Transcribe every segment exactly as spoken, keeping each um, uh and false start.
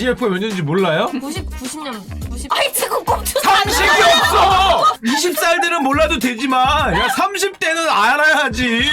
아이엠에프가 몇 년인지 몰라요? 구십, 구십 년, 구십. 아이, 지금 꼼수 삼십이 없어! 이십 살들은 몰라도 되지만, 야, 삼십 대는 알아야지.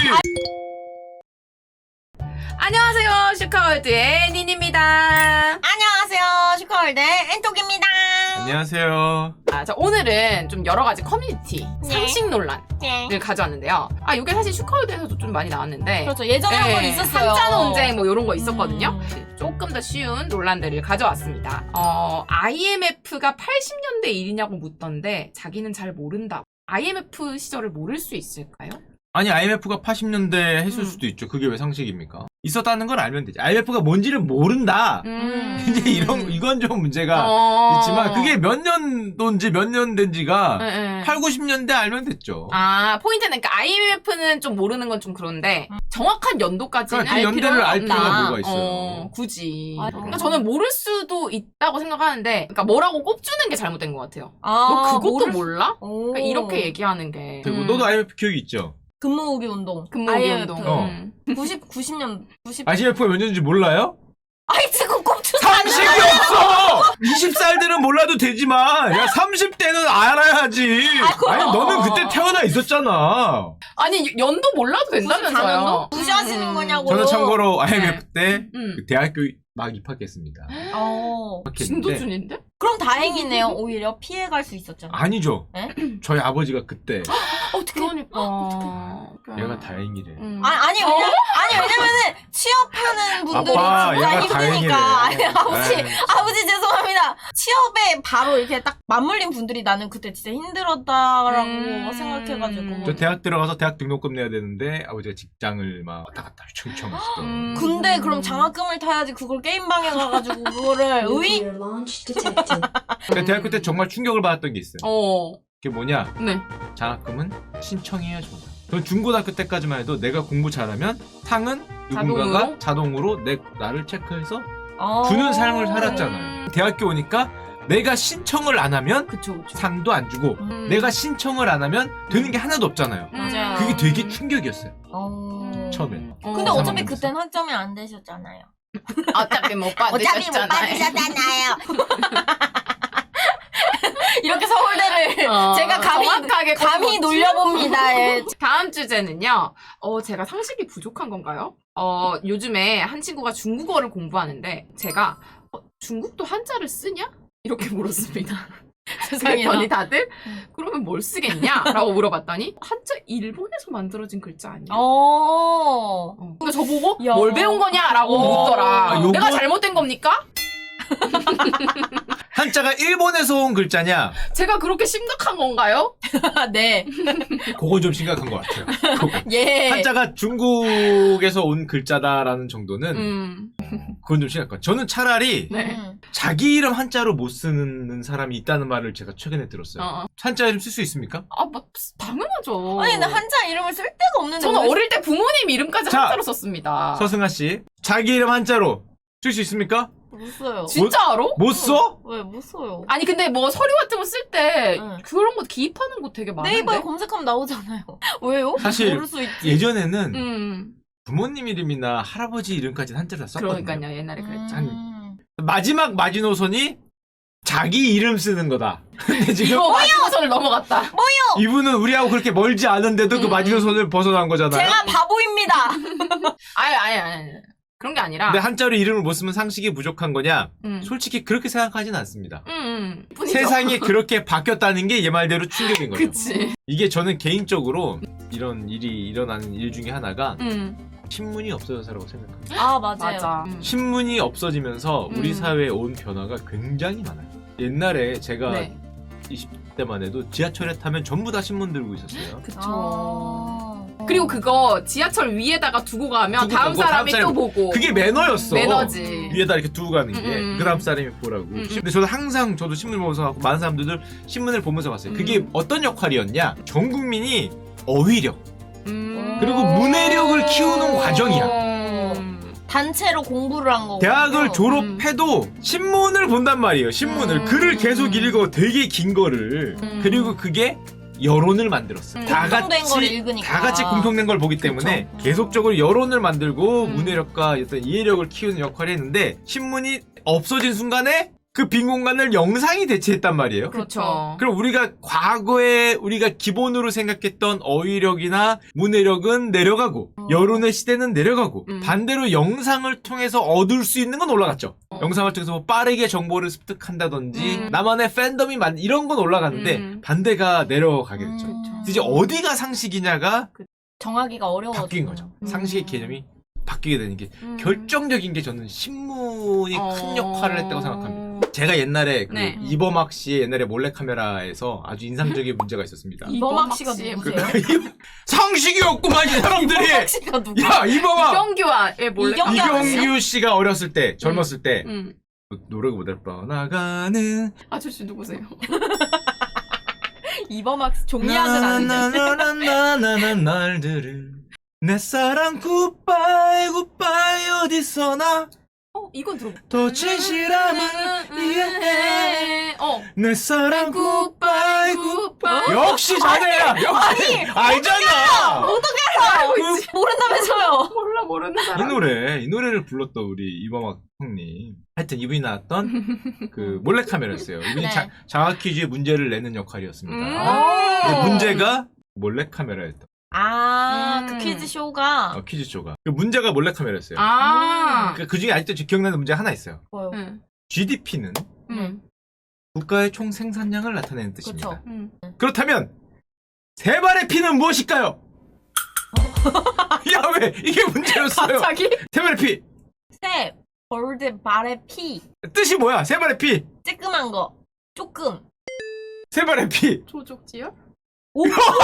안녕하세요. 슈카월드의 닌입니다. 안녕하세요. 슈카월드 엔톡입니다. 안녕하세요. 아, 자, 오늘은 좀 여러 가지 커뮤니티 네. 상식 논란을 네. 가져왔는데요. 아, 이게 사실 슈카월드에서도 좀 많이 나왔는데. 그렇죠. 예전에 한 번 있었어요. 한자 논쟁 뭐 이런 거 있었거든요. 음. 조금 더 쉬운 논란들을 가져왔습니다. 어, 아이엠에프가 팔십 년대 일이냐고 묻던데 자기는 잘 모른다. 아이엠에프 시절을 모를 수 있을까요? 아니, 아이엠에프가 팔십 년대 했을 음. 수도 있죠. 그게 왜 상식입니까? 있었다는 걸 알면 되지. 아이엠에프가 뭔지를 모른다. 음. 이제 이런, 이건 좀 문제가 어. 있지만, 그게 몇 년도인지 몇 년 된지가 네, 네. 팔, 구십 년대 알면 됐죠. 아, 포인트는 그러니까 아이엠에프는 좀 모르는 건 좀 그런데 정확한 연도까지는 그러니까 그 알 연대를 필요는 알 없다. 필요가 뭐가 있어요. 어, 굳이. 아, 그러니까 저는 모를 수도 있다고 생각하는데, 그러니까 뭐라고 꼽주는 게 잘못된 것 같아요. 아, 너 그것도 모를- 몰라? 오. 그러니까 이렇게 얘기하는 게. 그리고 음. 너도 아이엠에프 기억이 있죠? 근무후기 운동. 근무기 아이엠에프. 운동. 어. 음. 구십, 구십 년, 구십. 아이엠에프가 몇 년인지 몰라요? 아이, 지금 꼼수 삼십이 없어! 이십 살들은 몰라도 되지만, 야, 삼십 대는 알아야지. 아니, 너는 그때 태어나 있었잖아. 아니, 연도 몰라도 된다면서요. 무시하시는 음. 거냐고. 저는 참고로 아이엠에프 때 음. 그 대학교 막 입학했습니다. 어. 입학했는데 진도준인데? 그럼 다행이네요. 오히려 피해갈 수 있었잖아. 아니죠. 네? 저희 아버지가 그때 어떻게 그러니까. 얘가 다행이래. 음. 아니, 아니, 왜냐, 아니, 왜냐면은, 취업하는 분들이 아빠, 진짜 얘가 힘드니까. 아니, 다행이래. 아버지, 에이. 아버지 죄송합니다. 취업에 바로 이렇게 딱 맞물린 분들이 나는 그때 진짜 힘들었다라고 음. 생각해가지고. 저 대학 들어가서 대학 등록금 내야 되는데 아버지가 직장을 막 왔다 갔다 휘청휘청 하시던. 음. 근데 그럼 장학금을 타야지 그걸 게임방에 가가지고 그거를, 의? 그러니까 대학교 때 정말 충격을 받았던 게 있어요. 어. 그게 뭐냐? 네. 장학금은 신청해야 준다. 전 중고등학교 때까지만 해도 내가 공부 잘하면 상은 누군가가 자동으로? 자동으로 내 나를 체크해서 어. 주는 삶을 살았잖아요. 대학교 오니까 내가 신청을 안 하면 그쵸, 그쵸. 상도 안 주고 음. 내가 신청을 안 하면 되는 게 하나도 없잖아요. 맞아요. 그게 되게 충격이었어요. 어. 처음엔. 어. 근데 어차피 상황에서. 그땐 학점이 안 되셨잖아요. 어차피 못 받으셨잖아요. 받으셨잖아요. 이렇게 서울대를 어, 제가 감히, 정확하게 감히 꼽았지? 놀려봅니다. 예. 다음 주제는요. 어, 제가 상식이 부족한 건가요? 어, 요즘에 한 친구가 중국어를 공부하는데 제가 어, 중국도 한자를 쓰냐? 이렇게 물었습니다. 세상에나. 그랬더니 다들 음. 그러면 뭘 쓰겠냐? 라고 물어봤더니 한자 일본에서 만들어진 글자 아니야? 어. 어. 그러니까 저보고 야. 뭘 배운 거냐라고 어. 묻더라. 아, 요거- 내가 잘못된 겁니까? 한자가 일본에서 온 글자냐? 제가 그렇게 심각한 건가요? 네. 그건 좀 심각한 것 같아요. 그거. 예. 한자가 중국에서 온 글자다라는 정도는 음. 그건 좀 심각한 것 같아요. 저는 차라리 네. 음. 자기 이름 한자로 못 쓰는 사람이 있다는 말을 제가 최근에 들었어요. 어. 한자 이름 쓸 수 있습니까? 아, 뭐, 당연하죠. 아니, 근데 한자 이름을 쓸 데가 없는데. 저는 왜- 어릴 때 부모님 이름까지 자, 한자로 썼습니다. 서승아 씨, 자기 이름 한자로 쓸 수 있습니까? 못 써요. 진짜로? 못 써? 왜 못 써요? 아니 근데 뭐 서류 같은 거 쓸 때 응. 그런 거 기입하는 거 되게 많은데. 네이버에 검색하면 나오잖아요. 왜요? 사실 모를 수 있지. 예전에는 음. 부모님 이름이나 할아버지 이름까지는 한자로 다 썼거든요. 그러니까요. 옛날에 그랬죠. 음. 마지막 마지노선이 자기 이름 쓰는 거다. 근데 지금 이거 마지노선을 넘어갔다. 이분은 우리하고 그렇게 멀지 않은데도 그 음. 마지노선을 벗어난 거잖아요. 제가 바보입니다. 아니 아니 아니. 그런 게 아니라. 근데 한자로 이름을 못 쓰면 상식이 부족한 거냐? 음. 솔직히 그렇게 생각하진 않습니다. 음, 음. 뿐이죠. 세상이 그렇게 바뀌었다는 게 얘 말대로 충격인 거죠. 그치. 이게 저는 개인적으로 이런 일이 일어나는 일 중에 하나가 음. 신문이 없어져서라고 생각합니다. 아, 맞아요. 맞아. 음. 신문이 없어지면서 우리 음. 사회에 온 변화가 굉장히 많아요. 옛날에 제가 네. 이십 대만 해도 지하철에 타면 전부 다 신문 들고 있었어요. 그쵸. 아. 그리고 그거 지하철 위에다가 두고 가면 두고 다음 가고 사람이 다음 또 사람이- 보고. 그게 매너였어. 매너지. 위에다 이렇게 두고 가는 게. 음, 음. 그 다음 사람이 보라고. 음, 음. 근데 저도 항상 저도 신문을 보면서 하고 많은 사람들도 신문을 보면서 봤어요. 그게 음. 어떤 역할이었냐? 전 국민이 어휘력 음. 그리고 문해력을 키우는 과정이야. 음. 단체로 공부를 한 거고. 대학을 졸업해도 신문을 본단 말이에요. 신문을. 음. 글을 계속 읽어. 되게 긴 거를. 음. 그리고 그게 여론을 만들었어요. 음. 다 공통된 걸 같이 읽으니까. 다 같이 공통된 걸 보기 때문에 그쵸. 계속적으로 여론을 만들고 음. 문해력과 어떤 이해력을 키우는 역할을 했는데 신문이 없어진 순간에 그 빈 공간을 영상이 대체했단 말이에요. 그렇죠. 그럼 우리가 과거에 우리가 기본으로 생각했던 어휘력이나 문해력은 내려가고 음. 여론의 시대는 내려가고 음. 반대로 영상을 통해서 얻을 수 있는 건 올라갔죠. 어. 영상을 통해서 뭐 빠르게 정보를 습득한다든지 음. 나만의 팬덤이 만 이런 건 올라갔는데 음. 반대가 내려가게 됐죠. 음. 그래서 이제 어디가 상식이냐가 정하기가 어려워져. 바뀐 거죠. 음. 상식의 개념이 바뀌게 되는 게 음. 결정적인 게 저는 신문이 큰 어. 역할을 했다고 생각합니다. 제가 옛날에 그 네. 이범학 씨의 옛날에 몰래카메라에서 아주 인상적인 문제가 있었습니다. 이범학 씨가 씨의 누구세요? 상식이 없구만 이 사람들이. 이범학 씨가 누구? 야 이범학 이경규와의 몰래 이경규 이경규 씨가 어렸을 때 젊었을 때 음. 노래가 못할 뻔나가는 아저씨 누구세요? 이범학 씨 종이학을 아는데. 나나나나나나나나 날들을 내 사랑 굿바이 굿바이 어디서나 어 이건 들어. 더 진실함은 이해해 어. 내 사랑 굿바이 굿바이 역시 자네야 역시 알잖아 어떻게 알아요? 그- 모른다면서요? 몰라 모르는 이 사람. 노래 이 노래를 불렀던 우리 이범학 형님 하여튼 이분이 나왔던 그 몰래카메라였어요. 이분이 네. 자, 장학퀴즈에 문제를 내는 역할이었습니다. 음. 근데 문제가 몰래카메라였다. 아, 음. 그 퀴즈 쇼가 어, 퀴즈쇼가 그 문제가 몰래카메라였어요. 아. 그, 그 중에 아직도 기억나는 문제가 하나 있어요. 뭐요? 응. 지디피는 응. 국가의 총 생산량을 나타내는 뜻입니다. 그쵸. 응. 그렇다면 세 발의 피는 무엇일까요? 야 왜 이게 문제였어요? 갑자기? 세 발의 피 새, 벌드, 발의 피. 뜻이 뭐야? 세 발의 피, 쬐끔한 거. 조금. 세 발의 피. 조족지요? 오!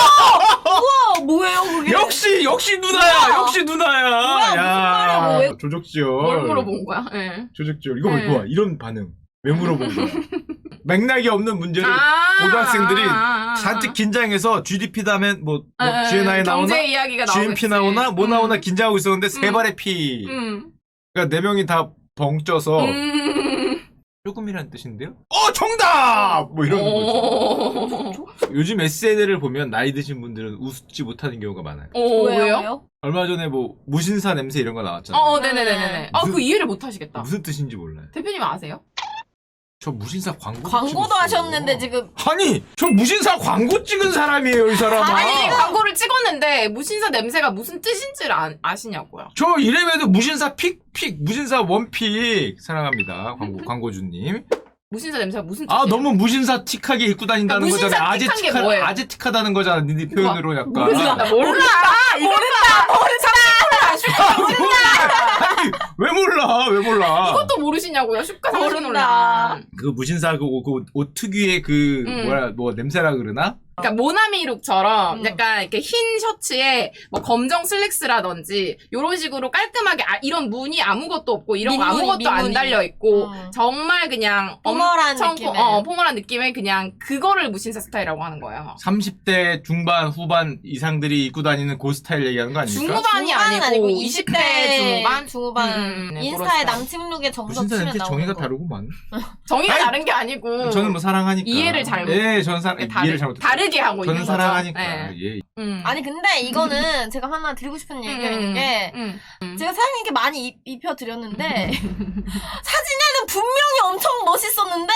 우와, 뭐예요, 그게? 역시 역시 누나야. 뭐야? 역시 누나야. 뭐야, 무슨 말이야, 왜- 조족지열. 뭘 물어본 거야? 예. 조족지열. 이거 네. 뭐야? 이런 반응. 왜 물어본 거야? 맥락이 없는 문제를 아. 고등학생들이 아, 아, 잔뜩 아. 긴장해서 지디피 다음에 뭐, 뭐 아, 아, 지엔아이 나오나? 경제 이야기가 나오겠지. 지엠피 나오나? 뭐 나오나 음. 긴장하고 있었는데 세 음. 발의 피. 음. 그러니까 네 명이 다 벙쪄서 음. 조금이라는 뜻인데요? 어 정답! 뭐 이러는 거죠. 오. 요즘 에스엔엘을 보면 나이 드신 분들은 웃지 못하는 경우가 많아요. 오, 왜요? 왜요? 얼마 전에 뭐 무신사 냄새 이런 거 나왔잖아요. 어, 네네네네. 아, 무슨- 그 이해를 못 하시겠다. 무슨 뜻인지 몰라요. 대표님 아세요? 저 무신사 광고 광고도 하셨는데 지금. 아니 저 무신사 광고 찍은 사람이에요 이 사람아. 아니, 광고를 찍었는데 무신사 냄새가 무슨 뜻인지를 아, 아시냐고요. 저 이름에도 무신사 픽픽 무신사 원픽 사랑합니다 광고 광고주님. 무신사 냄새가 무슨 뜻이에요? 아 너무 무신사 틱하게 입고 다닌다는 그러니까 무신사 거잖아. 틱한 게 아재틱하 뭐예요? 아재틱하다는 거잖아. 네 표현으로 약간. 모른다, 몰라. 모른다, 모른다. 아, 몰라. 아니, 왜 몰라? 왜 몰라? 이것도 모르시냐고요? 슈가 상식 모른다. 논란. 그 무신사 그 옷 특유의 그 음. 뭐야 뭐 냄새라 그러나? 그러니까 모나미룩처럼 음. 약간 이렇게 흰 셔츠에 뭐 검정 슬랙스라든지 이런 식으로 깔끔하게 아, 이런 무늬 아무것도 없고 이런 거 민무늬, 아무것도 안 민무늬. 달려 있고 음. 정말 그냥 포멀한 엄청 느낌의. 포, 어, 포멀한 느낌의 그냥 그거를 무신사 스타일이라고 하는 거예요. 삼십 대 중반 후반 이상들이 입고 다니는 그 스타일 얘기하는 거 아닙니까? 중후반이 중후반은 아니고 이십 대 중후반? 중후반. 음, 네, 인스타에 그렇다. 남친 룩에 정석 무신사 치면 냄새 나오는 정의가 거. 다르구만. 정의가 아니, 다른 게 아니고 저는 뭐 사랑하니까. 이해를 잘못- 예, 저는 사랑 다르, 이해를 잘못. 다르게 하고 저는 있는 거죠. 사랑하니까. 네. 예. 음. 아니 근데 이거는 제가 하나 드리고 싶은 얘기가 있는 게 음, 음. 제가 사장님께 많이 입, 입혀드렸는데 사진에는 분명히 엄청 멋있었는데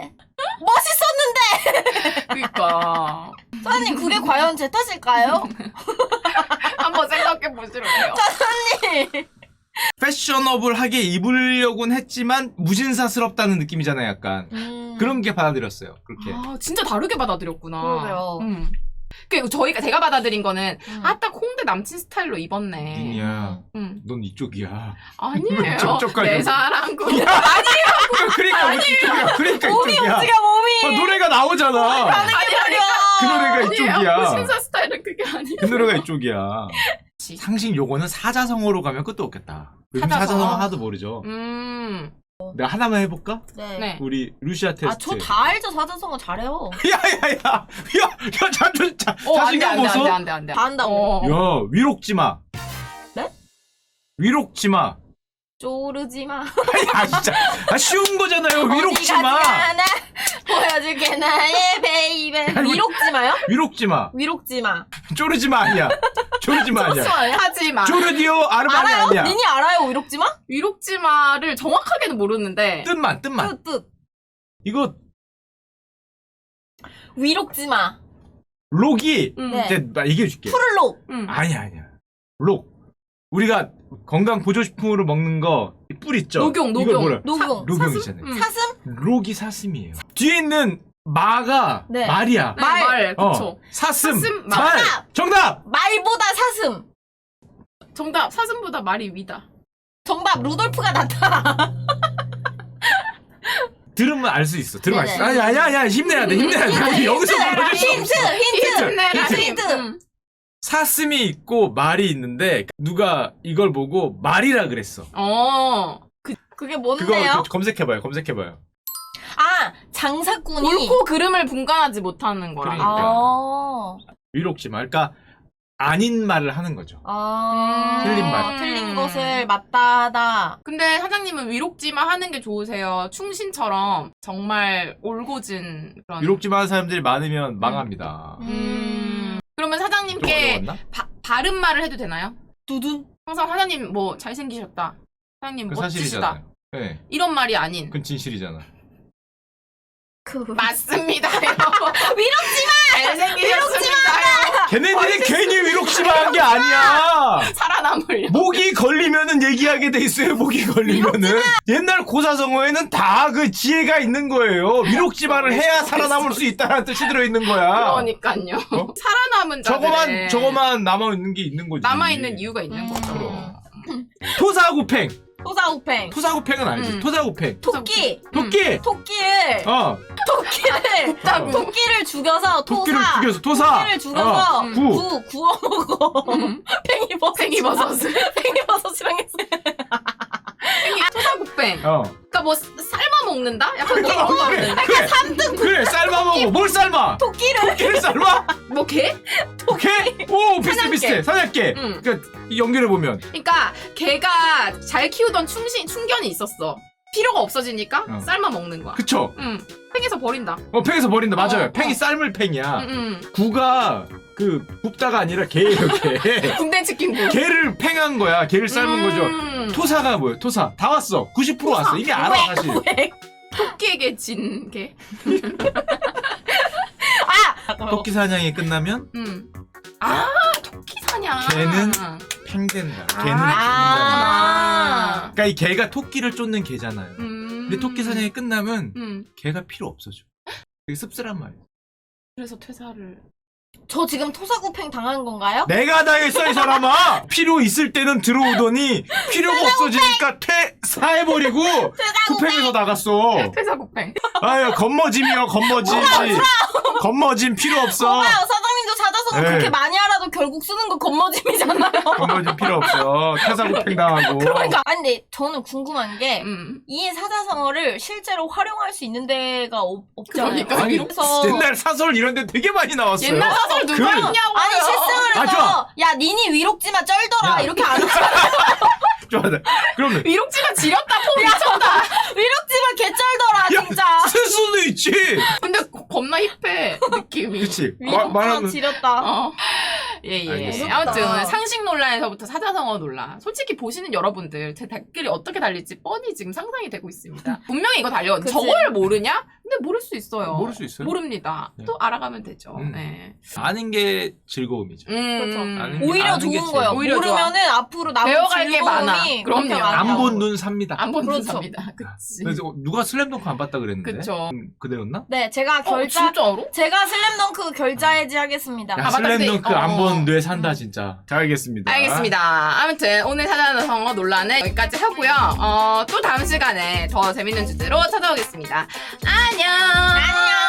멋있었는데 그러니까 사장님 그게 과연 제 탓일까요? 한번 생각해 보시라고요. 사장님 패셔너블하게 입으려고는 했지만 무신사스럽다는 느낌이잖아요, 약간. 음, 그런 게 받아들였어요. 그렇게. 아, 진짜 다르게 받아들였구나. 그러게요. 음. 그 저희가 제가 받아들인 거는 음. 아 딱 홍대 남친 스타일로 입었네. 닌이야. 음. 넌 이쪽이야. 아니에요. 쩝쩝하게. 내 사랑 구. 그러니까 왜 이쪽이야. 그러니까 몸이 이쪽이야. 움직여 몸이 어, 노래가 나오잖아. 가는 게 말이야 그 노래가 이쪽이야. 신사 스타일은 그게 아니에요. 그 노래가 이쪽이야. 상식 요거는 사자성어로 가면 끝도 없겠다. 요즘 사자성어? 사자성어 하나도 모르죠. 음. 내가 하나만 해볼까? 네. 네. 우리 루시아 테스트. 아 저 다 알죠 사자성어 잘해요 야야야, 야야 자존 자 어, 안 돼, 자신감 안 돼, 안 보소. 돼, 안 돼, 안 돼. 다 한다고 어. 야 위롭지 마. 네? 위롭지 마. 쪼르지 마 아 진짜 아 쉬운 거잖아요. 위롭지 마. 어디 가지 않아 보여줄게 나의 베이베 아니, 위록지 마요? 위롭지 마. 위록지 마 쪼르지 마 아니야. 조르지마 아니야. 하지마. 조르디오 아르마니 알아요? 아니야. 니니 알아요? 위록지마? 위록지마를 정확하게는 모르는데 뜻만 뜻만. 뜻, 뜻. 이거 위록지마. 록이 음. 네. 이제 나 얘기해줄게. 푸를록. 음. 아니야 아니야. 록. 우리가 건강 보조식품으로 먹는 거 뿔 있죠. 녹용, 이거 녹용. 뭐라? 녹용. 녹용이잖아요. 음. 사슴? 록이 사슴이에요. 뒤에 있는 마가 네. 말이야. 네, 말. 말. 어, 그쵸. 사슴. 사슴, 말. 말. 정답! 정답. 말보다 사슴. 정답. 사슴보다 말이 위다. 정답 루돌프가 낫다. 들으면 알 수 있어. 들으면 알 수 있어. 네네. 아니 아니 아니 힘내야 돼. 힘내야 돼. 우리 여기서 힌트, 무너질 수 힌트, 없어. 힌트. 힘내라, 힌트. 힘. 힌트. 음. 사슴이 있고 말이 있는데 누가 이걸 보고 말이라 그랬어. 어. 그게 그거 뭔데요? 그- 검색해봐요. 검색해봐요. 아, 장사꾼이. 옳고 그름을 분간하지 못하는 거라. 그러니까. 아. 위록지마. 그러니까 아닌 말을 하는 거죠. 아. 틀린 말. 틀린 것을 맞다 하다. 근데 사장님은 위록지마 하는 게 좋으세요. 충신처럼 정말 올고진 그런. 위록지마 하는 사람들이 많으면 망합니다. 음. 그러면 좀 사장님께 어려웠나? 바, 바른 말을 해도 되나요? 두둔. 항상 사장님 뭐 잘생기셨다. 사장님 그 멋지시다. 사실이잖아요. 네. 이런 말이 아닌. 그건 진실이잖아. 그. 맞습니다요. 위록지마! 잘생기셨습니다요. 걔네들이 괜히 위록지마 한 게 아니야. 살아남으려. 목이 걸리면은 얘기하게 돼 있어요. 목이 걸리면은 옛날 고사성어에는 다 그 지혜가 있는 거예요. 위록지마를 해야 살아남을 수 있다는 뜻이 들어 있는 거야. 그러니까요. 어? 살아남은 자들의 저거만 저거만 남아 있는 게 있는 거지. 남아있는 이유가 있는 음. 거죠. 그럼. 토사구팽. 토사우팽. 토사구팽은 알지? 음. 토사구팽. 토끼. 토끼. 토끼를. 어. 토끼를. 곱다구. 토끼를 죽여서 토사. 토끼를 죽여서 토사. 토끼를 죽여서 어. 음. 구. 구 구워 먹어. 음. 팽이버섯. 팽이버섯을. 팽이버섯이랑 했어. 토사구팽. 어. 그러니까 뭐 삶아 먹는다? 약간 그런 거 그래. 같은데. 그래. 그래. 삶아 먹어. 뭘 삶아? 토끼를. 토끼를 삶아? 뭐 개? 오케이? 오 비슷해 사냥개. 비슷해. 사냥개. 응. 그러니까 연결해 보면 그러니까 걔가 잘 키우던 충신 충견이 있었어. 필요가 없어지니까 어. 삶아 먹는 거야. 그쵸? 응. 팽에서 버린다. 어 팽에서 버린다. 맞아요. 어, 팽이 어. 삶을 팽이야. 응, 응. 구가 그 굽다가 아니라 개예요 개. 군대 치킨 구. 개를 팽한 거야. 개를 삶은 거죠. 음. 토사가 뭐예요? 토사. 다 왔어. 구십 퍼센트 왔어. 이미 알아 사실. 왜? 토끼에게 진 개. 아! 토끼 사냥이 끝나면 음. 아, 토끼 사냥. 개는 팽된다. 개는 아. 팽다. 그러니까 이 개가 토끼를 쫓는 개잖아요. 음. 근데 토끼 사냥이 끝나면 음. 개가 필요 없어져. 되게 씁쓸한 말이야. 그래서 퇴사를. 저 지금 토사구팽 당한 건가요? 내가 당했어 이 사람아. 필요 있을 때는 들어오더니 필요가 없어지니까 퇴사해버리고 쿠팽에서 나갔어. 퇴사국팽. 아유 겉멋짐이요 겉멋짐. 겉멋짐 필요 없어. 봐봐요, 사장님도 사자성어 네. 그렇게 많이 알아도 결국 쓰는 거 겉멋짐이잖아요. 겉멋짐 필요 없어. 퇴사쿠팽 당하고. 그러니까 아니 근데 저는 궁금한 게 이 음. 사자성어를 실제로 활용할 수 있는 데가 없, 없잖아요. 그러니까. 아니 그래서 옛날 사설 이런 데 되게 많이 나왔어요. 옛날 사설 누가 그- 읽냐고요. 아니 실승을 아, 해서 좋아. 야 니니 위록지마 쩔더라 야. 이렇게 안 하잖아. 좋아하네. 그러면 위록지가 지렸다 포 미쳤다. 위록지마 개 쩔더라 야, 진짜. 쓸 수도 있지. 근데 겁나 힙해 느낌이. 그치. 마- 위록지마 말하면 지렸다. 어. 예, 예. 알겠습니다. 아무튼 오늘 상식 논란에서부터 사자성어 논란. 솔직히 보시는 여러분들 제 댓글이 어떻게 달릴지 뻔히 지금 상상이 되고 있습니다. 분명히 이거 달려. 그치. 저걸 모르냐? 근데 모를 수 있어요. 모를 수 있어요. 모릅니다. 네. 또 알아가면 되죠. 음. 네. 아는 게 즐거움이죠. 음. 그렇죠. 아는 게- 오히려 아는 게 좋은 제일 거예요. 오히려 모르면은 앞으로 남은 배워갈 게 즐거움이 많아. 그렇게 그럼요. 많다고. 안 본 눈 삽니다. 안 보는 그렇죠. 사람이다. 그치. 그래서 누가 슬램덩크 안 봤다 그랬는데. 그쵸. 음, 그대였나? 네, 제가 어, 결자 진짜로? 제가 슬램덩크 결자해지 하겠습니다. 야, 아, 맞다. 슬램덩크 근데- 안 어. 본 뇌 산다 진짜. 잘 알겠습니다. 알겠습니다. 아무튼 오늘 사자성어 논란은 여기까지 하고요. 어, 또 다음 시간에 더 재밌는 주제로 찾아오겠습니다. 안녕. 안녕.